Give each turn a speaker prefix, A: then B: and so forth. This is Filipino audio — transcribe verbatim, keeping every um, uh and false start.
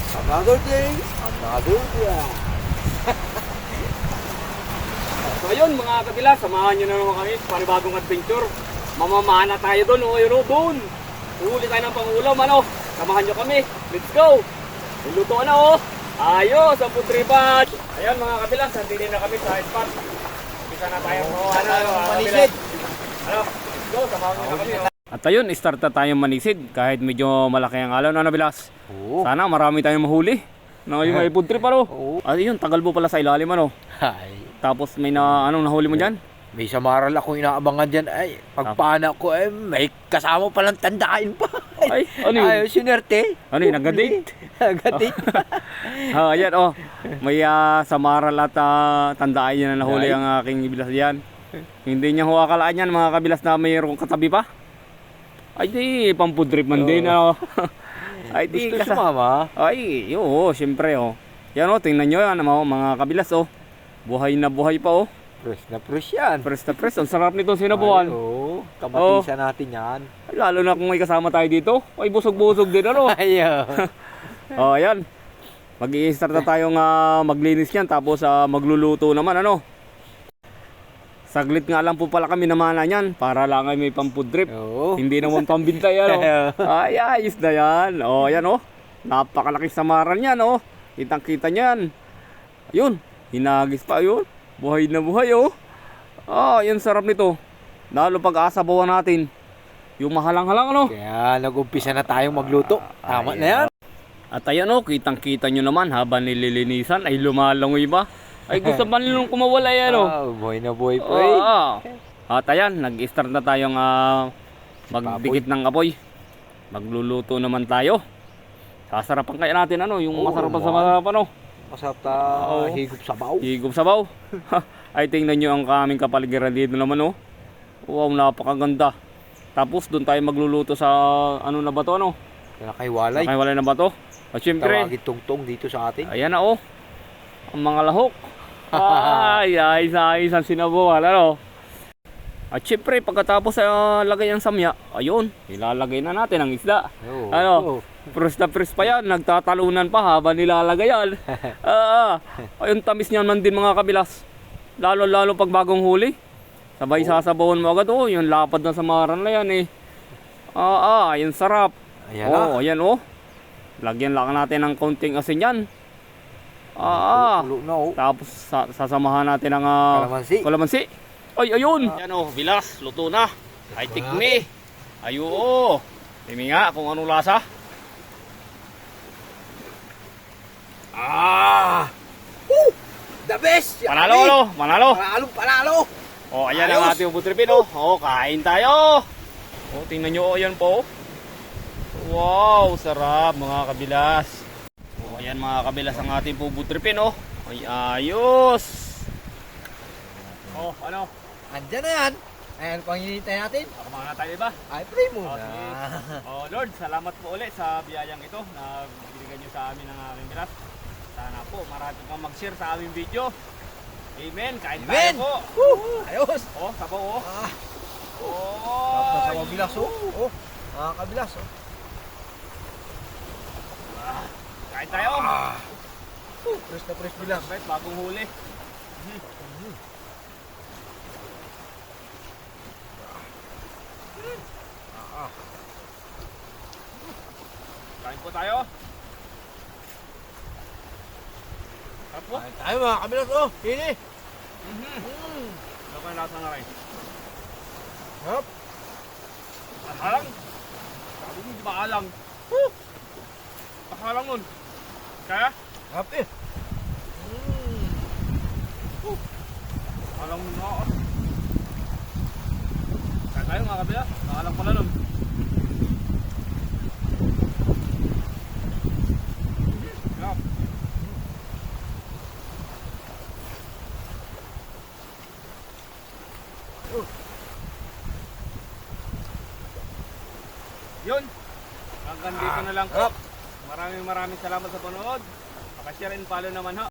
A: Another day, another day.
B: So ayun mga kabila, samahan nyo na naman kami sa panibagong adventure. Mamamana tayo doon, o yun o, doon. Uhuli tayo ng pangulam, ano. Samahan nyo kami, let's go. Niluto na o. Ayos, ang putripan. Ayun mga kabila, sandili na kami sa spot. Bisa na tayo. Oh, ano, ano,
A: Manisid.
B: Ano, let's go, samahan nyo na kami. Oh. At ayun, start na tayong manisid kahit medyo malaki ang alon, ano Bilas?
A: Oo.
B: Sana marami tayong mahuli. No, yung may food trip ano.
A: Oo.
B: At yun, tagal mo pala sa ilalim ano.
A: Ay,
B: Tapos may na anong nahuli mo diyan?
A: may samaral akong inaabangan dyan. Ay, pagpana ko, eh, may kasama palang tandaan pa.
B: Ay, ano yun?
A: Ay, sinerte.
B: Ano yun, nag-date?
A: Nag-date.
B: Ah, ayan oh. May uh, samaral at uh, tandaan niya na nahuli
A: Ay.
B: ang aking bilas diyan. Hindi niya huwakalaan yan mga kabilas na mayroong katabi pa. Ay di, pang food trip man din ano. Ay di,
A: Gusto
B: kasa-
A: sumama.
B: Ay, oo, siyempre oh. Yan oh, tingnan nyo yan mga, mga kabilas oh. Buhay na buhay pa oh.
A: Fresh na fresh yan.
B: Press na press, ang sarap nito sinabuhan.
A: Ay, oo. Kabatisan natin yan.
B: Ay, lalo na kung may kasama tayo dito. Ay, busog-busog din ano.
A: Ay, oh.
B: Oh, ayan. Mag-i-start na tayong uh, maglinis yan tapos uh, magluluto naman ano. Saglit nga lang po pala kami namana niyan para lang ay may pang food trip.
A: Oo.
B: Hindi naman pambintay ano. Ay, ayos na yan. Oh, ayan oh. Napakalaki samaran yan oh. Kitang-kita niyan. Ayun, hinagis pa yun. Buhay na buhay oh. Ah, yan sarap nito. Lalo pag asabawan natin. Yung mahalang-halang ano.
A: Kaya nag-umpisa na tayong magluto. Tama na yan.
B: At ayan oh, kitang-kita nyo naman habang nililinisan ay lumalangoy ba? Ay gusto ba nilang kumawala yan oh.
A: Ah, buhay na buhay po
B: Oo.
A: eh.
B: At ayan, nag-start na tayong uh, magdikit ng apoy. Magluluto naman tayo. Sasarapan kaya natin ano, yung
A: Oo,
B: masarapan sa
A: naman.
B: masarapan oh.
A: Masarap ta
B: Oo.
A: higop sabaw.
B: Higop sabaw. Ay tingnan nyo ang kaming kapaligiran dito naman oh. Wow, napakaganda. Tapos doon tayo magluluto sa ano na ba to ano?
A: Kaya kay Walay.
B: Ay wala na ba to? At syempre,
A: Tawagin tungtong dito sa atin.
B: ayan na oh. Ang mga lahok. Ay, ay, ay, isang sinabuhan, ano? At syempre, pagkatapos uh, lagay ang samya, ayun, ilalagay na natin ang isda.
A: Oo.
B: Ano?
A: Oo.
B: Press na press pa yan, nagtatalunan pa habang nilalagay yan. Ah, ayun, tamis niyan man din mga kabilas. Lalo-lalo pag bagong huli. Sabay sasabawan mo agad, oh, yung lapad na samaran na yan eh. Ah, ah, yung sarap.
A: Ayan
B: Oh,
A: na.
B: ayan oh. Lagyan lang natin ng konting asin yan. Ah, ah.
A: Tulo na oh.
B: Tapos sa sasamahan natin ang uh,
A: Kalamansi.
B: kalamansi. Ay, ayun. Yan oh, bilas, luto na. Ay, tikmi. Ayo oh. Timi nga kung anong lasa.
A: Ah! Woo! The best!
B: Panalo, ano? Panalo.
A: Panalo, panalo!
B: Oh, ayan
A: Ayos.
B: ang ating putripin oh. Oh, kain tayo. Oh, tingnan nyo oh, yan po. Wow, sarap mga kabilas. Oh, ayan mga kabilas ang ating puputripin oh. Ay, ayos. Oh, ano?
A: Andyan na yan. Ayan, pang hinihintay natin.
B: Kumain na tayo ba?
A: Ay, pray
B: Oh,
A: muna.
B: sige. Oh, Lord, salamat po ulit sa biyayang ito na binigyan nyo sa amin ng aming bilas. Sana po marami pang mag-share sa aming video. Amen. Kain
A: Amen.
B: tayo po.
A: Woo! Ayos!
B: Oh, sabaw oh.
A: Ah,
B: Oh.
A: tapos sa mabilas oh. Oh, mga kabilas oh.
B: Ah, kain tayo.
A: Ah. Uh, press na press bilas.
B: Right, bagong huli.
A: Ah,
B: Kain po tayo. Sarap po.
A: Kain tayo mga kabilas oh. Hini.
B: Mhm.
A: Mm.
B: Ano ko yung lasa na rin?
A: Hop.
B: Alang. Sabi mo, di ba alang? Woo! Pakalang nun. Kaya?
A: Hop eh. Mm.
B: Alang mo na ako. Kaya tayo mga kabila. Nakalang pala nun. Sarap. Yun. Hanggang dito na lang po. Maraming maraming salamat sa panood. Pakashare and follow naman ho.